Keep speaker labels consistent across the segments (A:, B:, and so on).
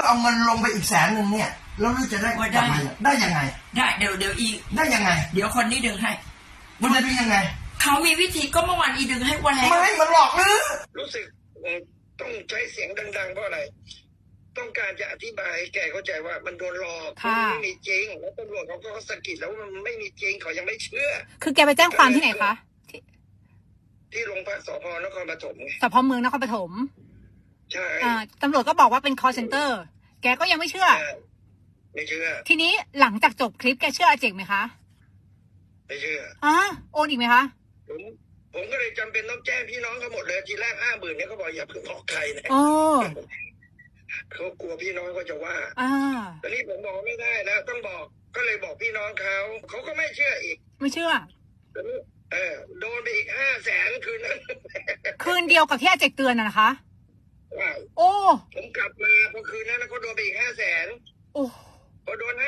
A: เอาเงินลงไปอีก100,000เนี่ยแล้วลือจะได้กลับมาได้ยังไง
B: ได้เดี๋ยวอี
A: ได้ยังไง
B: เดี๋ยวคนนี้ดึงให้
A: มันจะเป็นยังไง
B: เขามีวิธีก็เมื่อวานอีดึงให้วันแล้ว
A: ไม่มันหลอกลือ
C: รู้สึกต้องใช้เสียงดังๆเพราะอะไรต้องการจะอธิบายให้แกเข้าใจว่ามันโดนหลอกมันไม่มีจริงแล้วตำรวจเขาก็สะกิดแล้วว่ามันไม่มีจริงเขายังไม่เชื่อ
D: คือแกไปแจ้งความที่ไหนคะ
C: ที่โรงพักสพนครปฐมไง
D: สพเมืองนครปฐม
C: ใช่
D: ตำรวจก็บอกว่าเป็น call center แกก็ยังไม่เชื่อ
C: ไม่เชื่อ
D: ทีนี้หลังจากจบคลิปแกเชื่ออาเจกไหมคะ
C: ไม่เชื่อ
D: โอนอีกไหมคะ
C: ผมก็เลยจำเป็นต้องแจ้งพี่น้องเขาหมดเลยทีแรก50,000เนี่ยเขาบอกอย่าเพิ่งบอกใครนะเขากลัวพี่น้องก็จะว่าตอนนี้ผมบอกไม่ได้แล้วต้องบอกก็เลยบอกพี่น้องเขาก็ไม่เชื่ออีก
D: ไม่เชื่อ
C: โดนไปอีก500,000คืนนั้น
D: คืนเดียวกับที่อาเจกเตือนนะคะ
C: โอ้ผมกลับมาพอคืนนั้นแล้วก็โดนไปอีก500,000พอโดน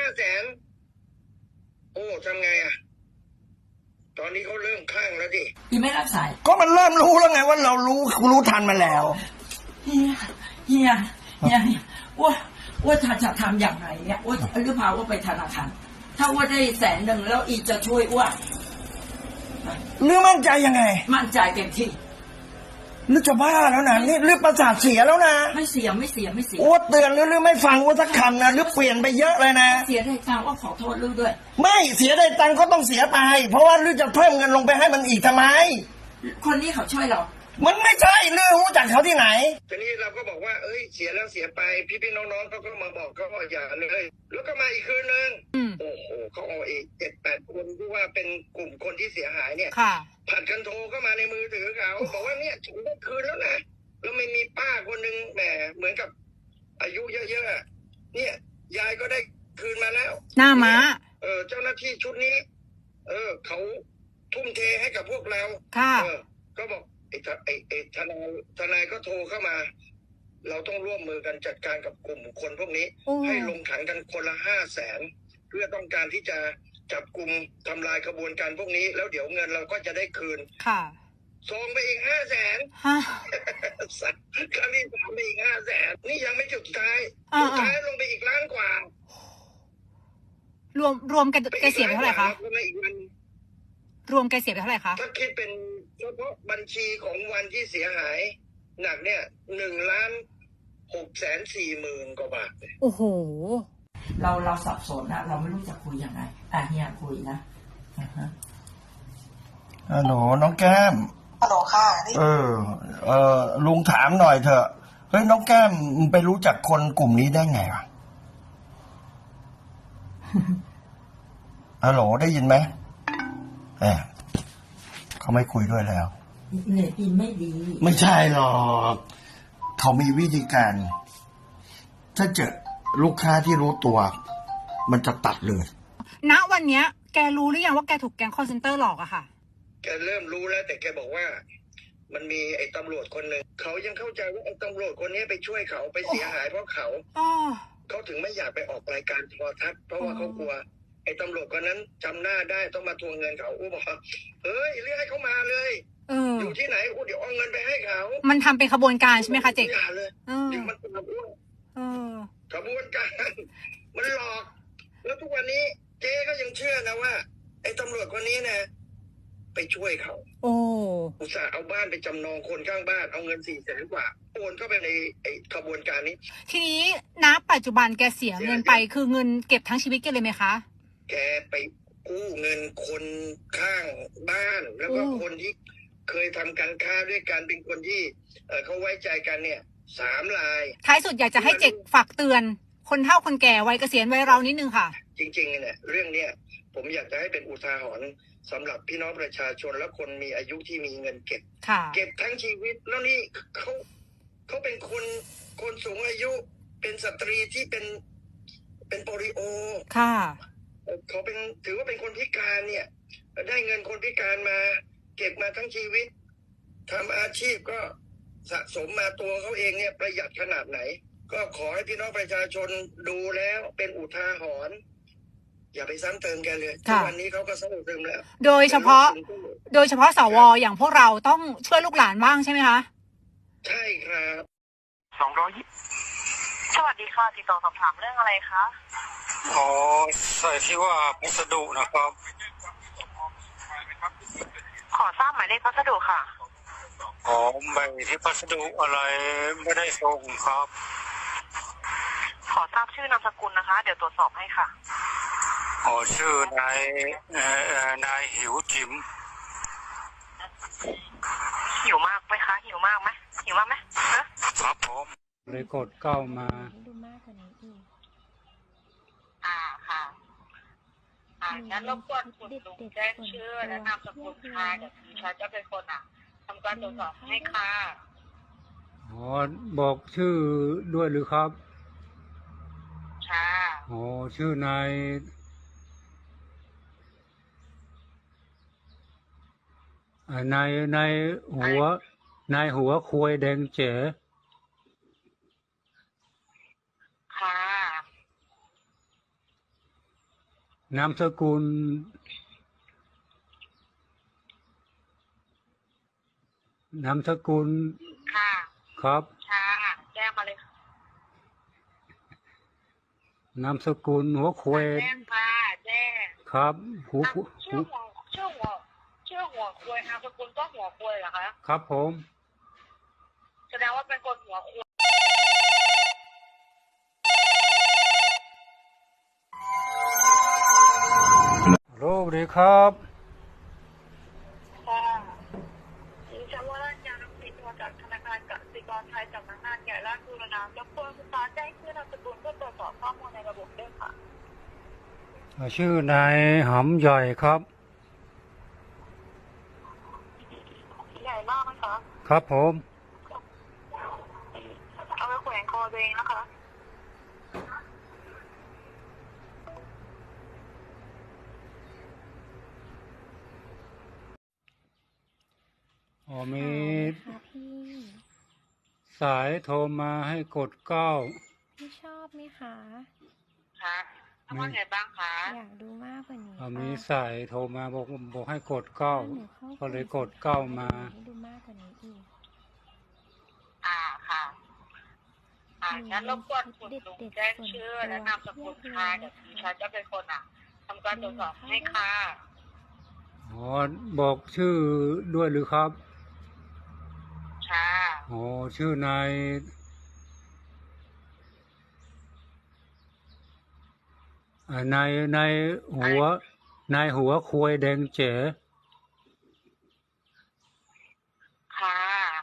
C: 500,000โอ้ทำไงอ่ะตอนนี้เขาเริ่มคลั่งแล้วดิ
B: ยังไม่รับสาย
A: ก็มันเริ่มรู้แล้วไงว่าเรารู้ทันมาแล้ว
B: เฮียว่าถ้าจะทำอย่างไรเนี่ยว่าหรือพาว่าไปธนาคารถ้าว่าได้100,000แล้วอีจะช่วยว่า
A: หรือมั่นใจยังไง
B: มั่นใจเต็มที่
A: หรือจะบ้าแล้วนะนี่หรือประสาทเสียแล้วนะ
B: ไม่เสีย
A: โอ้เตือนหรือไม่ฟังว่าสักคำนะหรือเปลี่ยนไปเยอะเลยนะ
B: เสียได้ตังค์ว่าขอโทษลูกด้วย
A: ไม่เสียได้ตังค์ก็ต้องเสียไปเพราะว่าหรือจะเพิ่มเงินลงไปให้มันอีกทำไม
B: คนนี้เขาช่วยเรา
A: มันไม่ใช่เรื่องรู้จักเขาที่ไหน
C: ทีนี้เราก็บอกว่าเสียแล้วเสียไปพี่น้องเขาก็มาบอกเขาอย่าเลยแล้วก็มาอีกคืนนึงโอ้โหเขาเอาอีก7-8 คนที่ว่าเป็นกลุ่มคนที่เสียหายเนี่ยผัดกันโทรเข้ามาในมือถือเขาบอกว่าเนี่ยฉันได้คืนแล้วนะแล้วไม่มีป้าคนนึงแหมเหมือนกับอายุเยอะๆเนี่ยยายก็ได้คืนมาแล้ว
D: หน้าม้า
C: เจ้าหน้าที่ชุดนี้เขาทุ่มเทให้กับพวกเราก็บอกไอ้ทนายก็โทรเข้ามาเราต้องร่วมมือกันจัดการกับกลุ่มคนพวกนี้ให้ลงขันกันคนละ500,000เพื่อต้องการที่จะจับกลุ่มทำลายกระบวนการพวกนี้แล้วเดี๋ยวเงินเราก็จะได้คืนส่งไปอีก500,000ครั้งที่3ไปอีก500,000นี่ยังไม่จุดท้ายลงไปอีก1 ล้านกว่
D: ารวมกันแกเสียไปเท่าไหร่คะรวมแกเสียไปเท่าไหร่คะ
C: ถ้าคิดเป็นเฉพาะบัญชีของวันที่เสียหายหนักเนี่ย1,640,000 กว่าบาท
D: โอ้โห
B: เราสับสนนะเราไม่รู้จะคุยยังไงเฮียคุยนะ
A: ฮัลโหลน้องแก้ม
E: ฮัลโหลค่ะ
A: ลุงถามหน่อยเถอะเฮ้ยน้องแก้มไปรู้จักคนกลุ่มนี้ได้ไงวะฮัลโหลได้ยินไหมเขาไม่คุยด้วยแล้ว
B: เน็ตอินไม่ดี
A: ไม่ใช่หรอกเขามีวิธีการถ้าเจอลูกค้าที่รู้ตัวมันจะตัดเลย
D: ณวันเนี้ยแกรู้หรือยังว่าแกถูกแก๊งคอลเซ็นเตอร์หลอกอะค่ะ
C: แกเริ่มรู้แล้วแต่แกบอกว่ามันมีไอ้ตำรวจคนหนึ่งเขายังเข้าใจว่าไอ้ตำรวจคนนี้ไปช่วยเขาไปเสียหายเพราะเขาถึงไม่อยากไปออกรายการโทรทัศน์เพราะว่าเขากลัวไอ้ตำรวจคนนั้นจำหน้าได้ต้องมาทวงเงินเขาบอกเฮ้ยเรียกให้เขามาเลยอยู่ที่ไหนเดี๋ยวเอาเงินไปให้เขา
D: มันทำเป็นขบวนการใช่ไหมคะเจ๊ก
C: เลยมันเป็นขบวนการมันหลอกแล้วทุกวันนี้เจ๊ก็ยังเชื่อนะว่าไอ้ตำรวจคนนี้นะไปช่วยเขาอุตส่าห์เอาบ้านไปจำนองคนข้างบ้านเอาเงิน400,000 กว่าโอนเข้าไปในไอ้ขบวนการนี้
D: ทีนี้ณปัจจุบันแกเสียเงินไปคือเงินเก็บทั้งชีวิตแกเลยไหมคะ
C: แกไปกู้เงินคนข้างบ้านแล้วก็คนที่เคยทำการค้าด้วยกันเป็นคนที่เขาไว้ใจกันเนี่ย3 ราย
D: ท้ายสุดอยากจะให้เจ๊กฝากเตือนคนเฒ่าคนแก่วัยเกษียณวัยเรานิดนึงค่ะ
C: จริงๆเนี่ยเรื่องเนี้ยผมอยากจะให้เป็นอุทาหรณ์สำหรับพี่น้องประชาชนและคนมีอายุที่มีเงินเก็บทั้งชีวิตแล้วนี่เขาเป็นคนสูงอายุเป็นสตรีที่เป็นโปลิโอเขาถือว่าเป็นคนพิการเนี่ยได้เงินคนพิการมาเก็บมาทั้งชีวิตทำอาชีพก็สะสมมาตัวเขาเองเนี่ยประหยัดขนาดไหนก็ขอให้พี่น้องประชาชนดูแล้วเป็นอุทาหรณ์อย่าไปซ้ำเติมแกเลยทุกวันนี้เขาก็ซ้ำเติมแล้ว
D: โดยเฉพาะสวอย่างพวกเราต้องช่วยลูกหลานบ้างใช่ไหมคะ
C: ใช่ครับ
E: สวัสดีค่ะติดต่อสอบถามเรื่องอะไรคะ
F: อ๋อใส่ที่ว่าพัสดุนะครับ
E: ขอทราบหมายเลขพัสดุค่ะ
F: อ๋อใบที่พัสดุอะไรไม่ได้ส่งครับ
E: ขอทราบชื่อนามสกุลนะคะเดี๋ยวตรวจสอบให้ค่ะ
F: อ๋อชื่อนายหิวจิ๋ม
E: หิวมากไหมคะหิวมากไหม
F: ครับผมเลยกดเข้ามา
G: ดูมากกว่านี้อีก
E: ค่ะงั้นรบกวนคุณลุงแจ้งชื่อและนามสกุลค่ะเดี๋ยวดิฉันจะเป็นคนทำการตรวจสอบให้ค่ะ
F: อ๋อบอกชื่อด้วยหรือครับ
E: ค่ะ
F: อ๋อชื่อนายหัวควยแดงเจ๋
E: ค่ะ
F: นามสกุล
E: ค่ะ
F: ครับ
E: ค่ะแจ้งมาเลย
F: นามสกุลหัวควย
E: แจ้งค่ะแจ้ง
F: ครับ
E: ชื่อหัวควยนามสกุลก็หัวควยเหรอคะ
F: ครับผม
E: แสดงว่าเป็นคนหัวควย
F: โลกดีครับ
E: ค่ะดิฉันว่าราชการติดตัวจากธนาคารกสิกรไทยสำนักงานใหญ่ราชบุรณะรบกวนคุณตาแจ้งชื่อนามสกุลเพื่อตรวจสอบข้อมูลในระบบด้วยค่ะ
F: ชื่อนายหำใหญ่ครับ
E: ใหญ่มากไหมคะ
F: ครับผม
E: เอาไปแขวนคอตัวเองนะคะ
F: อ๋อมีสายโทรมาให้กด
G: พี่ชอบไหมคะ
E: ค่ะทำว่าไงบ้างคะ
G: อยากดูมากกว่านี้
F: มีสายโทรมาบอกให้กดก็เลยกดมา
G: ดูมากกว่านี้อีก
E: ค่ะงั้นรบกวนคุณลุงแจ้งชื่อและนามสกุลค่ะเดี๋ยวดิฉันจะเป็นคนทำการตรวจสอบให้ค่ะ
F: อ๋อบอกชื่อด้วยหรือครับ
E: ค่ะ
F: อ๋อชื่อนายหัวควยแดงเจ๋
E: ค่ะ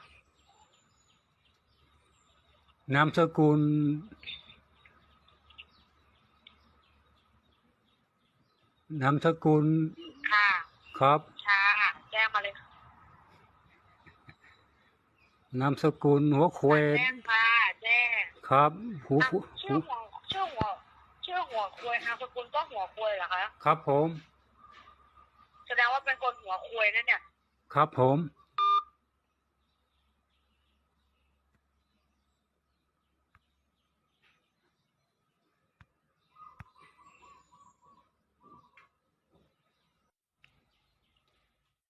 F: นามสกุล
E: ค่ะ
F: ครับ
E: ค่ะแจ้งมาเลย
F: นามสกุลหัวควย
E: แจ้งค่ะแจ้ง
F: ครับ
E: ชื่อหัวควยนามสกุลก็หัวควยเหรอคะ
F: ครับผม
E: แสดงว่าเป็นคนหัวควยนั่นเนี่ย
F: ครับผม